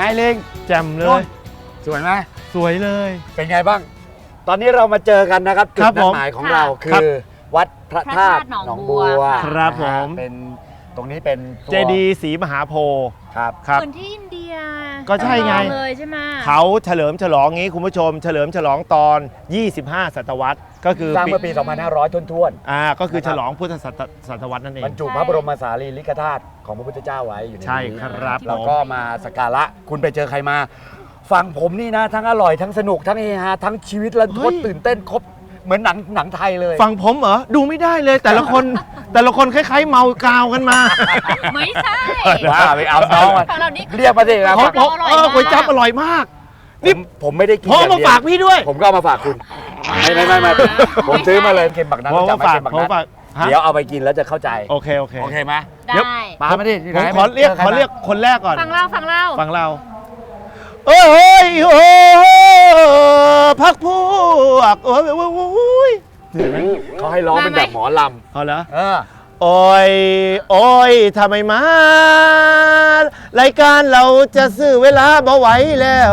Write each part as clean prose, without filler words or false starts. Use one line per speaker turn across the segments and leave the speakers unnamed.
เล้ง
แจ่มเลย
สวยไหม
สวยเลย
เป็นไงบ้างตอนนี้เรามาเจอกันนะครับจุดนัดหมายของเราคือวัดพระธาตุหนองบัว
ครับผม
เป็นตรงนี้เป็น
เจดีย์ศรีมหาโพธิ์
ครับ
เหมือนที่อินเดีย
ก็ใช่ไง
เลยใช่ไหม
เขาเฉลิมฉลองงี้คุณผู้ชมเฉลิมฉลองตอน 25 ศตวรรษก็คือ
สร้างเมื่อปี 2500 ท้วน
ก็คือฉลองพุทธศตวรรษนั่นเอง
บรรจุพระบรมสารีริกธาตุของพระพุทธเจ้าไว้อยู่ในนี้
ใช่ครับ
แล้วก็มาสักการะคุณไปเจอใครมาฝั่งผมนี่นะทั้งอร่อยทั้งสนุกทั้งเฮฮาทั้งชีวิตระทดตื่นเต้นครบเหมือนหนังไทยเลย
ฝั่งผมเหรอดูไม่ได้เลยแต่ละคนคล้ายๆเมากาวกันมา
ไม่ใช่
ว่าไปเอาน้องเรียกมาสิครับ
ก๋วยจั๊บอร่อยมาก
นี่ผมไม่ได้กิน
ผมมาฝากพี่ด้วย
ผมก็เอามาฝากคุณไม่ผมซื้อมาเลยเค็มบักนั้น
ผมฝาก
เดี๋ยวเอาไปกินแล้วจะเข้าใจ
โอเค
ไหม
ได้
ปามาดิ
ผมขอเรียกคนแรกก่อน
ฟังเรา
โอ้ยพักพวกโอ้ย
เขาให้ร้องเป็นแบบหมอลำ
เอาเหรอโอ้ยทำไมมารายการเราจะซื้อเวลาบ่ไหวแล้ว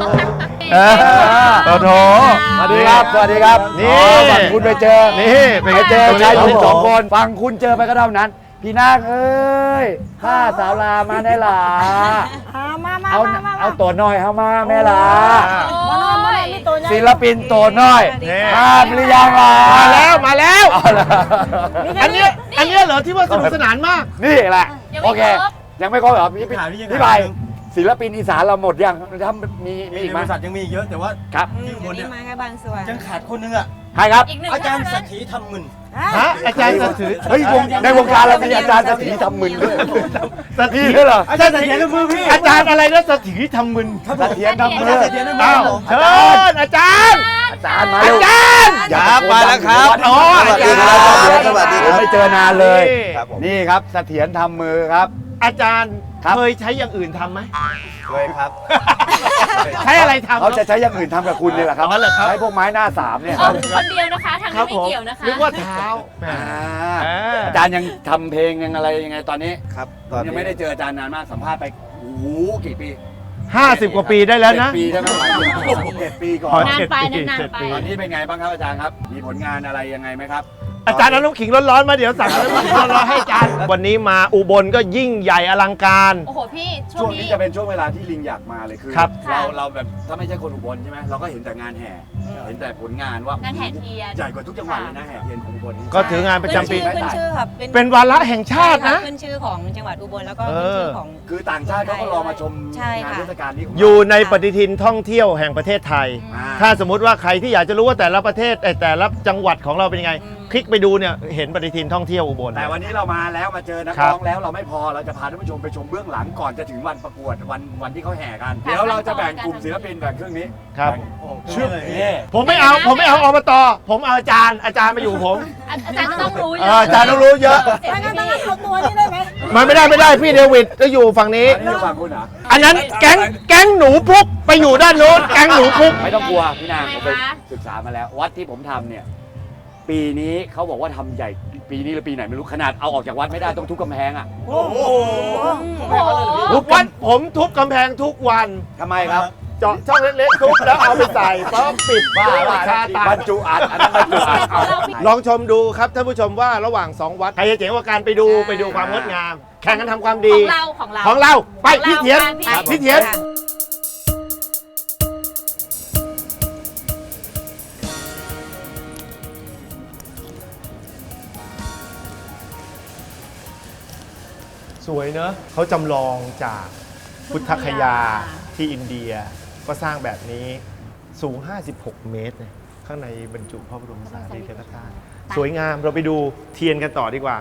โอ้โห
สวัสดีครับนี่ฝั่งคุณไปเจอชายหนุ่มสองคนฝั่งคุณเจอไปก็เท่านั้นพี่นาคเอ้ยข้าสาวลามาได้หรอเอาตัวน้อยเข้ามาแม่ลาศิลปินตัวน้อยมาหรือยังล่ะ
มาแล้วอันนี้เหรอที่ว่าสนุกสนานมาก
นี่แหละโอเคยังไม่ครบเหรอพี่ไปศิลปินอีสานเราหมดยังถ้ามีอีกไหม
บริษัทยังมีเยอะแต่ว่า
ครับ
ที่คนเนี่ย
มาแค่บางส่วน
ยังขาดคนนึงอ่ะ
ใครครับ
อาจารย์สัตถีทำมึน
อาจารย์สัตถี
เฮ้ยในวงการเรามีอาจารย์สัตถีทำมึนด้วยสัตถีด้วยเหรอ
อาจารย์สัตถีทำมือพี่
อาจารย์อะไรนะสัตถีทำมึน
สัตถีทำมือ
อ้าวเชิญอาจารย์
มาอาจารย์
มาแล้วครับ
สวัสดีครับไม่เจอนานเลยนี่ครับเสถียรทำมือครับ
อาจารย์เคยใช้อย่างอื่นทำไหม
เคยครับ
ใช้อะไรทำ
เขาจะใช้อย่างอื่นทำกับคุณนี่แหละครับใช้พวกไม้หน้าสามเนี่ย
คนเดียวนะคะทางนี้ไม่เกี่ยวนะคะ
นึกว่าเท้า
อาจารย์ยังทำเพลงยังอะไรยังไงตอนนี้
ครับ
ยังไม่ได้เจออาจารย์นานมากสัมภาษณ์ไปโอ้โหกี่ปี
50 กว่าปีได้แล้วนะ
7 ปีได้ไหม7 ปีก่อน
นานไป
ตอนนี้เป็นไงบ้างครับอาจารย์ครับมีผลงานอะไรยังไงไหมครับ
อาจารย์เอาน้ำขิงร้อนๆมาเดี๋ยวสั่งน้ำขิงร้อนๆให้อาจารย์วันนี้มาอุบลก็ยิ่งใหญ่อลังการ
โอ้โหพี่
ช่วงนี้จะเป็นช่วงเวลาที่ลิงอยากมาเลยคือเราแบบถ้าไม่ใช่คนอุบลใช่ไหมเราก็เห็นแต่งานแห่เห็นแต่ผลงานว่าง
านแห่เทียน
ใหญ่กว่าทุกจังหวัดเลยนะแห่เทียนของอุบล
ก็ถืองานประจำปี
ขึ้นชื่อครับ
เป็นวาระแห่งชาตินะ
ขึ้นชื่อของจังหวัดอุบลแล้วก็ขึ้นชื่อของ
คือต่างชาติเขาก็รอมาชมงานเทศกาลนี้
อยู่ในปฏิทินท่องเที่ยวแห่งประเทศไทยถ้าสมมุติว่าใครที่อยากจะรู้ว่าแต่ละประเทศแต่ละจังหวัดของเราเป็นยังไงคลิกไปดูเนี่ยเห็นปฏิทินท่องเที่ยวอุบล
แต่วันนี้เรามาแล้วมาเจอนักร้องแล้วเราไม่พอเราจะพาท่านผู้ชมไปชมเบื้องหลังก่อนจะถึงวันประกวดวันที่เขาแห่กันเดี๋ยวเราจะแบ่งกลุ่มศิลปินแบ่งเครื่องนี้
ครับ
ชื่อ
ผมไม่เอาอบตผมเอาอาจารย์มาอยู่ผม
อาจารย์ต้องรู้เย
อะอาจารย์ต้องรู้เยอะ
งั้นเอาตัวนี้ได้ไหม
ไม่ได้พี่เดวิดก็อยู่ฝั่งนี้อันนั้นแก๊งหนูพุกไปอยู่ด้านโน้นแก๊งหนูพุก
ไม่ต้องกลัวพี่นางผมไปศึกษามาแล้ววัดที่ผมทำเนี่ยปีนี้เขาบอกว่าทำใหญ่ปีนี้หรือปีไหนไม่รู้ขนาดเอาออกจากวัดไม่ได้ต้องทุบกำแพงอ่ะ
โอ้โหทุกวันผมทุบกำแพงทุกวัน
ทำไมครับ
เจาะช่องเล็กๆทุบแล้วเอาไปใส่ต้องปิดบ้า
บรรจุอัดอันนั้นบรรจุอัด
ลองชมดูครับท่านผู้ชมว่าระหว่าง2วัดใครจะเจ๋งกว่าการไปดูความงดงามแข่งกันทำความดีของเราไปพี่เถียนสวยเนอะเขาจำลองจากพุทธคยาที่อินเดียก็สร้างแบบนี้สูง56 เมตรข้างในบรรจุพระบรมสารีริกธาตุสวยงามเราไปดูเทียนกันต่อดีกว่า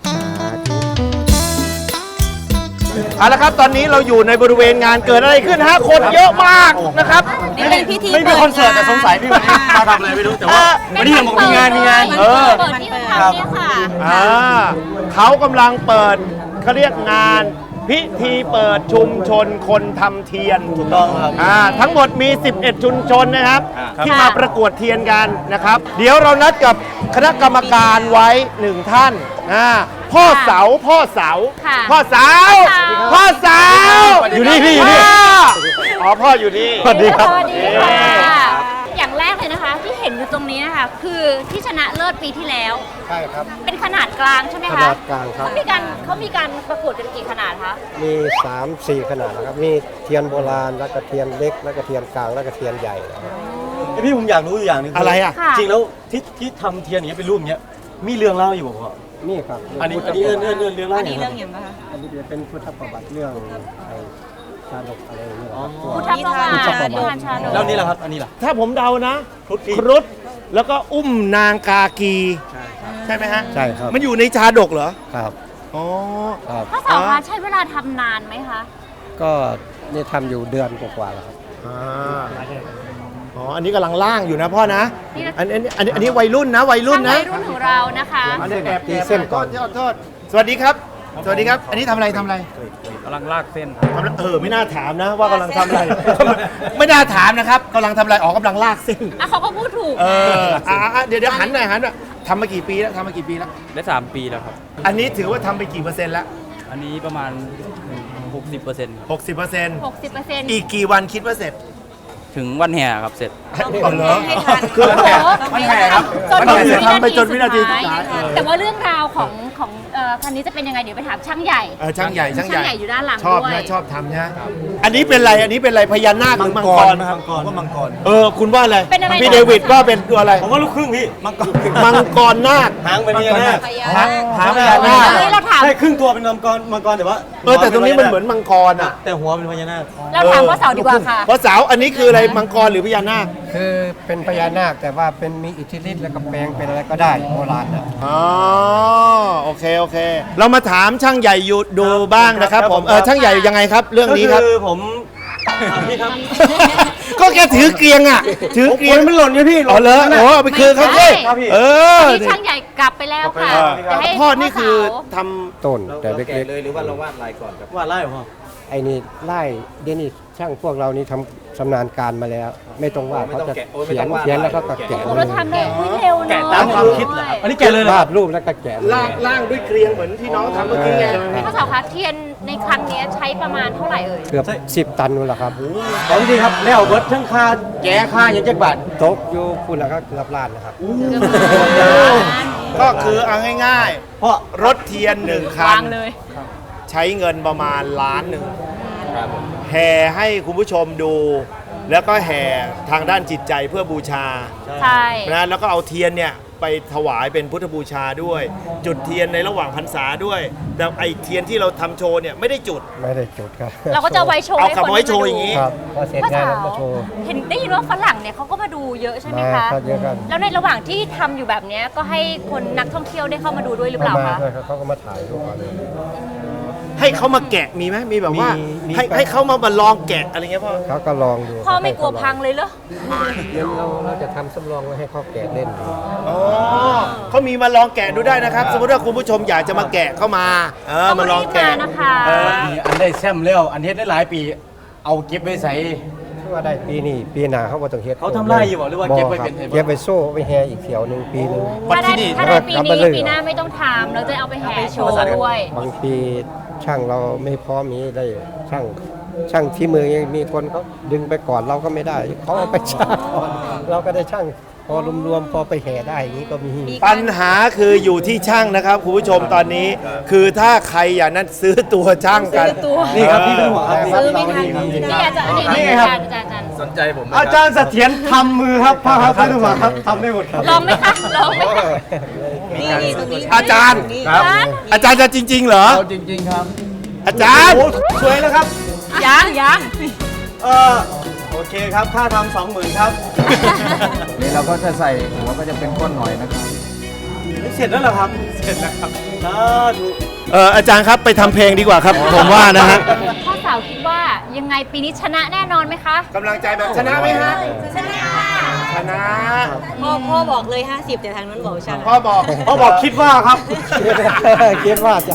เอาละครับตอนนี้เราอยู่ในบริเวณงานเกิดอะไรขึ้นฮะคนเยอะมากนะครับ
ไม่
มีคอนเสิร์ตแต่สงสัยพี่วันนี้มาทำอะไรไม่รู้แต่ว่าวันนี้ยังบอกมีงาน
ครับ
เขากำลังเปิดเขาเรียกงานพิธีเปิดชุมชนคนทำเทียน
ถูกต้องครับ
ทั้งหมดมี11ชุมชนนะครับที่มาประกวดเทียนกันนะครับเดี๋ยวเรานัดกับคณะกรรมการไว้1ท่านพ่อเสาอยู่นี่พี่อยู่นี่อ๋อพ่ออยู่นี่
สวัสดีค่ะอย่างแรกเลยนะคะ ที่เห็นอยู่ตรงนี้นะคะคือที่ชนะเลิศปีที่แล้ว
ใช่ครับ
เป็นขนาดกลางใช่ไหม
ข
คะ
นาดกลางครับ
เขามีการประกวดกันกี่ขนาดคะ
มี 3-4 ขนาดนะครับ มีเทียนโบราณ แล้วก็เทียนเล็ก แล้วก็เทียนกลาง แล้วก็เทียนใหญ่นะครับ
พี่ผมอยากรู้อยู่อย่างหนึง
อะไรอ่ะ
ค่ะ
จริงแล้วที่ทำเทียนอย่างเงี้ยเป็นรูปอย่างเงี้ยมีเรื่องเล่าอยู่บ่พ่อ
นี่ครับ
อันนี้เรื่องเล่าอย่างเงี้ย
อันนี้จะเป็นพุทธประวัติเรื่องไอ้ชาดกอะไรอย่างเงี้ยครับ
พุทธประวัตินิทานชาดก
แล้วนี่แหละครับอันนี้ล่ะ
ถ้าผมเดานะครุฑแล้วก็อุ้มนางกากี ใช่ไหมฮะ
ใช่ครับ
มันอยู่ในชาดกเหรอ
ครับ
อ๋อ
ครับ
ข้อสอบคะใช้เวลาทำนานไหมคะ
ก็นี่ทำอยู่เดือนกว่าๆแล้วครับ
อ่าอ๋อ อันนี้กำลังล่างอยู่นะพ่อนะ
นี่นะ
อันนี้วัยรุ่นนะวัยรุ่นนะ
วัยรุ่นของเรานะคะ
อันนี้แอบ
ตีเส้นก่อน
โทษสวัสดีครับ สวัสดีครับ อันนี้ทำอะไรทำอะไร
กำลังลากเส้น
ทำอะไรไม่น่าถามนะว่ากำลังทำอะไร ไม่น่าถามนะครับกำลังทำอะไร ออกกำลังลากเส้น
อ่ะเขาก็พูดถูก
เดี๋ยวหันหน่อยทำมากี่ปีแล้วทำมากี่ปีแล้ว
ได้3 ปีแล้วครับ
อันนี้ถือว่าทำไปกี่เปอร์เซ็นต์แล้ว
อันนี้ประมาณ 60%ครับ
60%
60%
อีกกี่วันคิดว่าเสร็จ
ถึงวันแห่ครับเสร็จ
อ๋อเหรอ
ให้ทัน
คือ
มันแห่ครับ
ทำไปจนวินาทีสุดท้าย
แต่ว่าเรื่องราวของคันนี้จะเป็นยังไงเดี๋ยวไปถามช่างใหญ่
ช่างใหญ่
อยู่ด้านหลัง
ชอบ
ด้วย
นะชอบทำนะอันนี้เป็นอะไรอันนี้เป็นอะไรพญานาคหรือมังกร
ผมว่ามังกร
คุณว่าอะไร
เป็นอะไร
พี่เดวิดว่าเป็นตัวอะไร
ผมว่าลูกครึ่งพี่มังกร
มังกรนาค
หางเป็นพญานาค
หางพญานาค
อันนี้เราถาม
ใช่ครึ่งตัวเป็นมังกรแต่ว่า
แต่ตรงนี้มันเหมือนมังกรอ่ะ
แต่หัวเป็นพญานาค
เราถามพ่อเสาดีกว่าค่ะ
เพราะสาวอันนี้คืออะไรมังกรหรือพญานาค
คือเป็นพญานาคแต่ว่าเป็นมีอิทธิฤทธิ์แล้วก็แปลงเป็นอะไรก็ได้โบราณนะ
อ๋อโอเคเรามาถามช่างใหญ่อยู่ดูบ้างนะครับผมช่างใหญ่ยังไงครับ เรื่องนี้ครับ
ก็คือผมพี่ครับ
ก็แกถือเกรียงอ่ะถือเกรียง
มันหล่นอยู่พี่
อ๋อเหรอโอ้เอาไปคืนเขาสิ
ครับ
เออ
ที่ช่างใหญ่กลับไปแล้วค่ะจะให้
พ่อนี่คือ
เสา
ทำ
ต้นแต่เล็ก
เลยหรือว่าเราวาดลายก่อนครับวาดลายเหรอพ่อ
ๆ ไอ้นี่ไล่เดี๋ยวนี้ช่างพวกเรานี่ทำชำนาญการมาแล้ว ไม่ต้องว่าเขาจะเขียนแล้วก็แกะ
โอ้เราทำได้อุ๊ยเร็วเนอะ
แกะตามความคิดเหรออันนี้แกะเลยเหรอ
วาดรูปแล้วก็แกะเลย
ล่างด้วยเกรียงเหมือนที่น้องทำเมื่อกี้ไง
พ่อเสาคะเทียนในครั้งนี้ใช้ประมาณเท่าไหร่เอ่ย
เกือบ10 ตันนู่นแหละครับ
ของจริงครับแล้วเบิร์ดทั้งค่าแกะค่าอย่างจักบาท
ตกอยู่คุณแล้วก็เกือบล้านนะครับ
ก็คือเอาง่าย
เพราะ
ๆรถเทียนหนึ่งคั
วาน งเลย
ใช้เงินประมาณ1 ล้านแห่ให้คุณผู้ชมดู แล้วก็แห่ทางด้านจิตใจเพื่อบูชา
ใช่
นะแล้วก็เอาเทียนเนี่ยไปถวายเป็นพุทธบูชาด้วย จุดเทียนในระหว่างพรรษาด้วย แต่ไอเทียนที่เราทำโชว์เนี่ยไม่ได้จุด
ไม่ได้จุดครับ
เราก็จะไว้โชว์
เอา
ให้
กลับ
คน
มาไว้โชว์อย่างนี้
ครับพอเสร็จ
พ่อง
าน
สา
แล้ว
ว
มาโชว์
เห็นได้ยินว่าฝรั่งเนี่ยเขาก็มาดูเยอะใช่ไหม
มา
คะ
ก็เยอะกัน
แล้วในระหว่างที่ทำอยู่แบบเนี้ยก็ให้คนนักท่องเที่ยวได้เข้ามาดูด้วยหรือเปล่า
มา
คะ
ด้วยครับเขาก็มาถ่ายรูปกันเลย
ให้เขามาแกะมีไหมมีแบบว่า
มี
ให้เขามาลองแกะอะไรเงี้ยพ่อ
เขาก็ลองดู
พ่อไม่กลัวพังเลยเหรอ
เดี๋ยวเราจะทำสำรองไว้ให้เขาแกะเล่นดู
อ๋อเขามีมาลองแกะดูได้นะครับ สมมติว่าคุณผู้ชมอยากจะมาแกะเข้ามามาลองแกะ
ต้องรีบมานะคะ
มีอันได้แซมแล้วอันเฮ็ดได้หลายปี เอาเก็บไว้ใส่
ชื่อว่าได้ปีนี้ปีหน้าเขาบ่ต้องเฮ็ด
เขาทำไร่อยู่บ่หรือว่าเก็บไว้เป็น
ครับเก็บไว้โซ่ไว้แฮอีกเที่ยวหนึงปีหนึง
ถ้าได้ถ้าได้ปี
เอาไป
นี้
เลย
ปีหน้าไม่ต้องทำเราจะเอาไปแห่โชว์ด้วย
บางปีช่างเราไม่พร้อมมีได้ช่างที่มือยังมีคนเขาดึงไปก่อนเราก็ไม่ได้เขาเอาไปช่างก่อนเราก็ได้ช่างพอรวมๆพอไปแห่ได้อย่างนี้ก็มี
ปัญหาคืออยู่ที่ช่างนะครับคุณผู้ชมตอนนี้ คือถ้าใครอย่างนั้นซื้อตัวช่างกัน
นี่ครับพี่เป็นหัวครับ
ซื้อไม่ทันนี่อาจารย์นี่อาจารย์อาจารย์
สนใจผมไหม
อาจารย์เสถียรทำมือครับพ่อครับเป็นหัวครับทำได้หมดครับ
ลองไหมคะลองไหมคะ
อาจารย์
ครับ
อาจารย์จะจริง ๆ เหรอ
เอาจริง ๆ ครับ
อาจารย์
สวยแล้วครับ
ยัง
โอเคครับค่าทำ20,000ครับ
นี่เราก็จะใส่หัวก็จะเป็นก้นหอยนะครับ
เสร็จแล้วเหรอครับ เสร็จแล้วครับสาธุ
อาจารย์ครับไปทำเพลงดีกว่าครับ ผมว่านะฮะ
พ่อสาวคิดว่ายังไงปีนี้ชนะแน่นอนไหมคะ
กำลังใจแบบชนะไหมฮะ
ชนะ
ชนะ
พ่อบอกเลย 50 แต่ทางนั้นบอกชนะ
พ่อบอก
เขาบอกคิดว่าครับ
คิดว่าจะ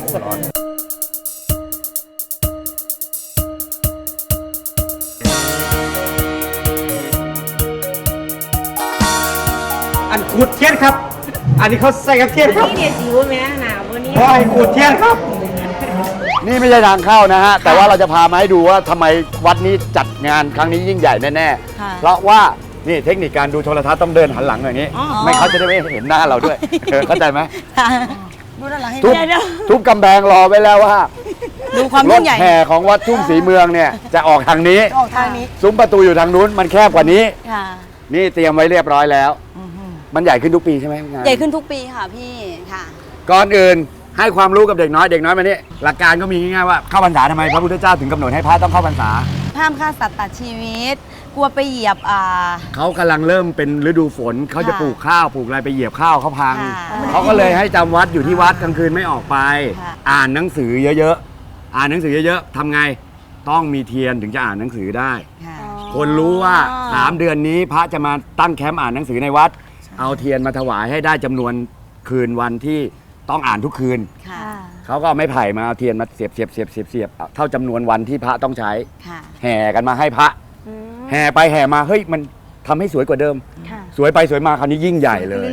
อันขูดเทียนครับ อันนี้เขาใส่กับเทียนครับ
นี่เนี่ยสิวแม่หนาววันนี้
พอให้ขูดเทียนครับ
นี่ไม่ใช่ทางเข้านะฮะ แต่ว่าเราจะพามาให้ดูว่าทำไมวัดนี้จัดงานครั้งนี้ยิ่งใหญ่แน่
ค่ะ
ๆ เพราะว่านี่เทคนิคการดูโทรทัศน์ต้องเดินหันหลังอย่างนี้ ไม่เขาจะได้ไม่เห็นหน้าเราด้วยเข้าใจไหม
ดูด้านหลังให้
ทุบ
เดี๋ยว
ทุบกำแพงรอไว้แล้วว่า
ดูความ
ร
ยิ่
ถ
งใหญ่
แห่ของวัดทุ่งศรีเมืองเนี่ยจะออกทางนี้
ออกทางนี้
ซุ้มประตูอยู่ทางนู้นมันแคบกว่านี้
ค่ะ
นี่เตรียมไว้เรียบร้อยแล้ว มันใหญ่ขึ้นทุกปีใช่ไหมงาน
ใหญ่ขึ้นทุกปีค่ะพี่ค่ะ
ก่อนอื่นให้ความรู้กับเด็กน้อยมานี่หลักการก็มีง่ายๆว่าเข้าพรรษาทำไมพระพุทธเจ้าถึงกำหนดให้พระต้องเข้าพรรษา
ห้ามฆ่าสัตว์ตัดชีวิต กลัวไปเหยียบ
เขากำลังเริ่มเป็นฤดูฝนเขาจะ
ค่ะ
ปลูกข้าวปลูกอะไรไปเหยียบข้าวเขาพัง
ค่ะ
เขาก็เลยให้จำวัดอยู่ที่วัดกลางคืนไม่ออกไป
ค่ะ
อ่านหนังสือเยอะๆอ่านหนังสือเยอะๆทำไงต้องมีเทียนถึงจะอ่านหนังสือได้
ค่ะ
คนรู้ว่า3 เดือนนี้พระจะมาตั้งแคมป์อ่านหนังสือในวัด เอาเทียนมาถวายให้ได้จำนวนคืนวันที่ต้องอ่านทุกคืน
ค่ะ
เขาก็เอาไม้ไผ่มาเอาเทียนมาเสียบเท่าจำนวนวันที่พระต้องใช้
ค่ะ
แห่กันมาให้พระ แห่ไปแห่มาเฮ้ยมันทำให้สวยกว่าเดิม สวยไปสวยมาคราวนี้ยิ่งใหญ่เลย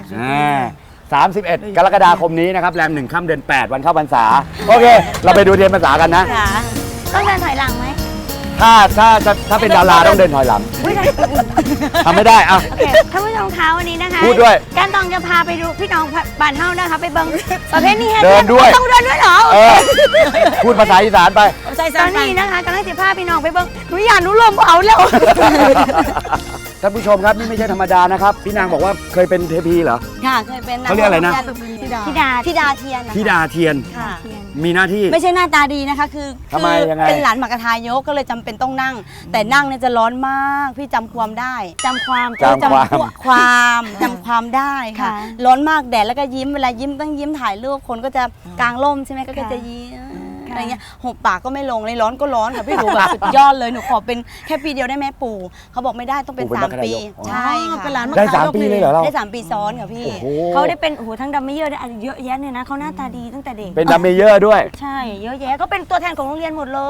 31 กรกฎาคมนี้นะครับแรม1 ค่ำเดือน 8 วันเข้าพรรษา โอเค เราไปดูเทียนพรรษากันนะ
ค่ะ
ต้องเดินถอยหลังไหม
ถ้าเป็นดาราต้องเดินถอยหลังทำไม่ได้อ่ะ
โอเคท่านผู้ชมคะวันนี้นะคะ
พูดด้วย
การตองจะพาไปดูพี่น้องบ้านเฮานะคะไปเบิ่งประเภทนี้
เดินด้วย
ต้องเดินด้วยเหรอ
เออพูดภาษาอีสานไป
ใส่
ตอนนี้นะคะกำลังจะพาพี่น้องไปเบิ่งหนูอยากหนูลมเอาแล้ว
ท่านผู้ชมครับนี่ไม่ใช่ธรรมดานะครับ พี่นางบอกว่าเคยเป็นเทพีเหรอ
ค่ะเคยเป็น
เขาเรียกอะไรนะ
ธิดา
ธิดาเทียนนะคะ
ธิดาเทียน
ค่ะ
มีหน้าที่
ไม่ใช่หน้าตาดีนะคะ คือ
ทำไมยังไง
เป็นหลานหมากระทายกก็เลยจำเป็นต้องนั่ง แต่นั่งเนี่ยจะร้อนมาก พี่จำความได้จำความ
จำความ
จำความได้ค่ะ
ค่ะ
ร้อนมากแดดแล้วก็ยิ้มเวลายิ้มต้องยิ้มถ่ายรูปคนก็จะกางร่มใช่ไหมก็จะยิ้มอะไรเงี้ยหุบปากก็ไม่ลงเลยร้อนก็ร้อนค่ะพี่หนูแบบสุดยอดเลยหนูขอเป็นแค่ปีเดียวได้ไหมปู่เขาบอกไม่ได้ต้องเป็น
ปู่เป็นมรรค
3 ปี
นายก
ใช่ค่ะ
เป็นหลาน
ได้3 ปีเลยเหรอเรา
ได้3 ปีซ้อนค่ะพี่
โอ้โห
เขาได้เป็นโอ้โหทั้งดัมเมเยอร์ได้เยอะแยะเนี่ยนะเขาหน้าตาดีตั้งแต่เด็ก
เป็นดัมเมเยอร์ด้วย
ใช่เยอะแยะก็เป็นตัวแทนของโรงเรียนหมดเลย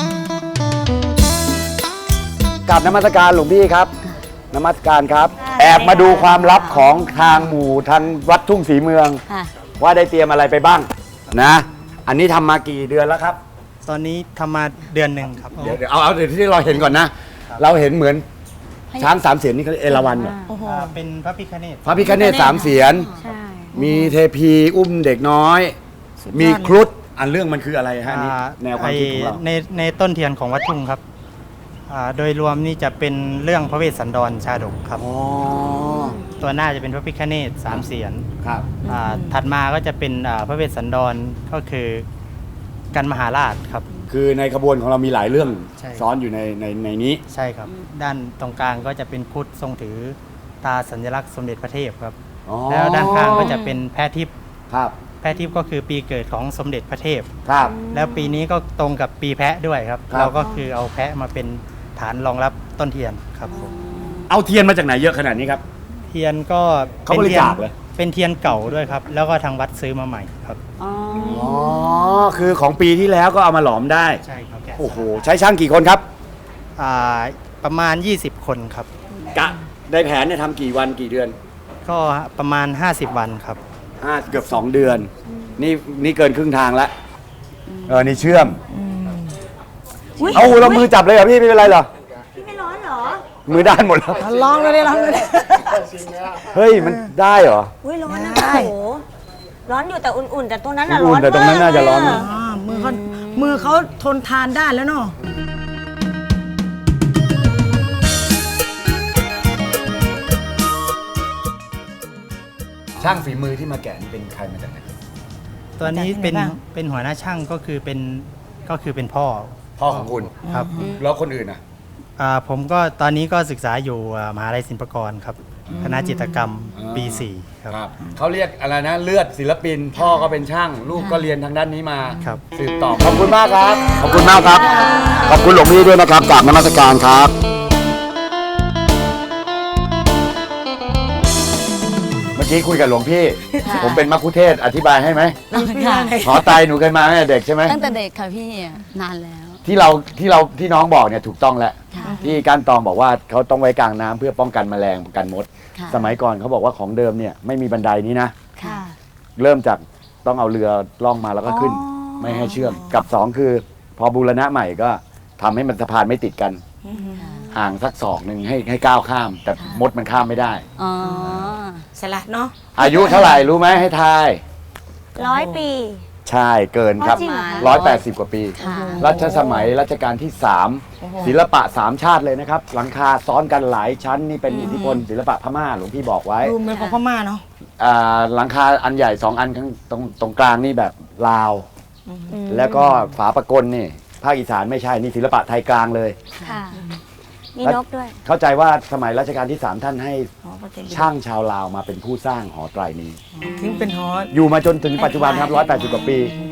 กับนมัสการหลวงพี่ครับนมัสการครับ แอบมาดูความลับของทางหมู่ทางวัดทุ่งศรีเมือง
ค่ะ
ว่าได้เตรียมอะไรไปบ้างนะ อันนี้ทำมากี่เดือนแล้วครับ
ตอนนี้ทำมาเดือนหนึ่งครับ
เดี๋ยวเอาเดี๋ยวที่เราเห็นก่อนนะ เราเห็นเหมือนช้าง3 เสียนนี่เขาเรียกเอราวัณเหรอ
เป็นพระพิฆเนศ
พระพิฆเนศ3 เสียน
ใช่
มีเทพีอุ้มเด็กน้อย มีครุฑอันเรื่องมันคืออะไรฮะอันนี่แนวความคิดของเรา
ในต้นเทียนของวัดทุ่งครับโดยรวมนี่จะเป็นเรื่องพระเวสสันดรชาดกครับ
อ๋อ
ตัวหน้าจะเป็นพระพิฆเนศ3 เสียน
ครับ
ถัดมาก็จะเป็นพระเวสสันดรก็คือกันมหาราชครับ
คือในขบวนของเรามีหลายเรื่อง
ใช่
ซ้อนอยู่ในนี้
ใช่ครับ ด้านตรงกลางก็จะเป็นครุฑทรงถือตาสัญลักษณ์สมเด็จพระเทพครับ
อ๋อ
แล้วด้านข้างก็จะเป็นแพะทิพย์
ครับ
แพะทิพย์ก็คือปีเกิดของสมเด็จพระเทพ
ครับ
แล้วปีนี้ก็ตรงกับปีแพะด้วยครับ
ครับ
เราก็คือเอาแพะมาเป็นฐานรองรับต้นเทียนครับผม
เอาเทียนมาจากไหนเยอะขนาดนี้ครับ
เทียนก็
เขาบริจาคเหรอ
เป็นเทียนเก่าด้วยครับ แล้วก็ทางวัดซื้อมาใหม่ครับ
อ๋อ คือของปีที่แล้วก็เอามาหลอมได้
ใช่ครับ
โอ้โห ใช้ช่างกี่คนครับ
ประมาณ 20 คนครับ
กะได้แผนเนี่ยทำกี่วันกี่เดือน
ก็ประมาณ 50 วันครับ
เกือบ2 เดือน นี่เกินครึ่งทางแล้ว นี่เชื่อม เอาเรามือจับเลยเหรอพี่ไม่เป็นไรเหรอ
พี่ไม่ร้อนเหรอ
มือด้านหมดแล้ว
ลองเลยลองเลย
เฮ้ย มันได้เหรอ
อุ้ยร้อนนะโอ้โหร้อนอยู่แต่อุ่นๆ แต่ตัวนั้นน่ะร้
อุ่
อน
นๆแต่ตรงนั้นน่าจะร้อน
มาก
มือเขาทนทานได้แล้วเนาะ
ช่างฝีมือที่มาแกะนี่เป็นใครมาจากไหน
ตัวนี้เป็นหัวหน้าช่างก็คือเป็นพ่อ
พ่อของคุณ
ครับ
แล้วคนอื่นอ่ะ
ผมก็ตอนนี้ก็ศึกษาอยู่มหาลัยศิลปากรครับ คณะจิตรกรรมปี 4 ครับ
เขาเรียกอะไรนะ เลือดศิลปิน พ่อก็เป็นช่าง ลูกก็เรียนทางด้านนี้มา
ครับ
สืบต่อ ขอบคุณมากครับ ขอบคุณมากครับ ขอบคุณหลวงพี่ด้วยนะครับกราบนมัสการครับ เมื่อกี้คุยกับหลวงพี่ ผมเป็นมัคคุเทศก์อธิบายให้ไหม
ค่ะ
หอไตหนูเคยมาตั้งแต่เด็กใช่ไหม
ตั้งแต่เด็กค่ะพี่นานแล้ว
ที่น้องบอกเนี่ยถูกต้องแล้ว
ค่ะ
ที่ก้านตองบอกว่าเขาต้องไว้กลางน้ำเพื่อป้องกันแมลงป้องกันมด
ค่ะ
สมัยก่อนเขาบอกว่าของเดิมเนี่ยไม่มีบันไดนี้นะ
ค่ะ
เริ่มจากต้องเอาเรือล่องมาแล้วก็ขึ้น
อ๋อ
ไม่ให้เชื่อมกับสองคือ พอบูรณะใหม่ก็ทำให้มันสะพานไม่ติดกัน ห่างสักศอกหนึ่งให้ก้าวข้าม แต่มดมันข้ามไม่ได้
อ๋อ
สลัดเนาะ
อายุเท่าไหร่รู้ไหมให้ทาย
100 ปี
ใช่เกินครับ
อ๋อจริงเหรอคะ
180 กว่าปี
ค่ะ
รัชสมัยรัชกาลที่ 3 ศิลปะ 3 ชาติเลยนะครับ หลังคาซ้อนกันหลายชั้นนี่เป็นอิทธิพลศิลปะพม่าหลวงพี่บอกไว้
ดูเป็นของพม่าเนาะ
หลังคาอันใหญ่ 2 อันข้างตรงกลางนี่แบบลาว แล้วก็ฝาประกลนี่ภาคอีสานไม่ใช่นี่ศิลปะไทยกลางเลย
ค่ะ มีนกด้วย
เข้าใจว่าสมัยรัชกาลที่ 3 ท่านให้
อ๋อโปรตีน
ช่างชาวลาวมาเป็นผู้สร้างหอไตรนี้
ถึงเป็นฮอต
อยู่มาจนถึงปัจจุบันครับ 180 กว่าปี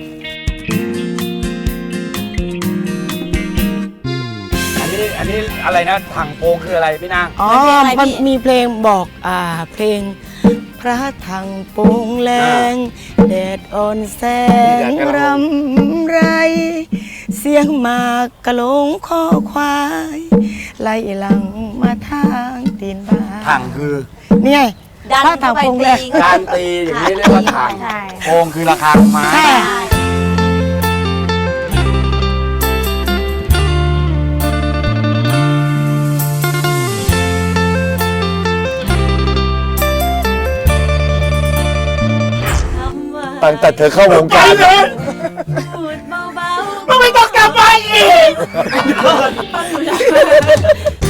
อันนี้อะไรนะถังโปงคืออะไรพี่นาง
อ๋อ มันมีเพลงบอกเพลง พระถังโปงแรงแดดอ่อนแสงรำไร เสียงหมากกะโหลงคอควาย ไล่หลังมาทางตีนบ้าน
ถังคือ
นี่ไงพระถังโปงแรง
การตีอย่างนี้เรียกว่าถัง
ใช่
โปงคือระฆังไม้
ใช่
ตั้งแต่เธอเข้าวงการ
ไม่ต้องกลับมาอีก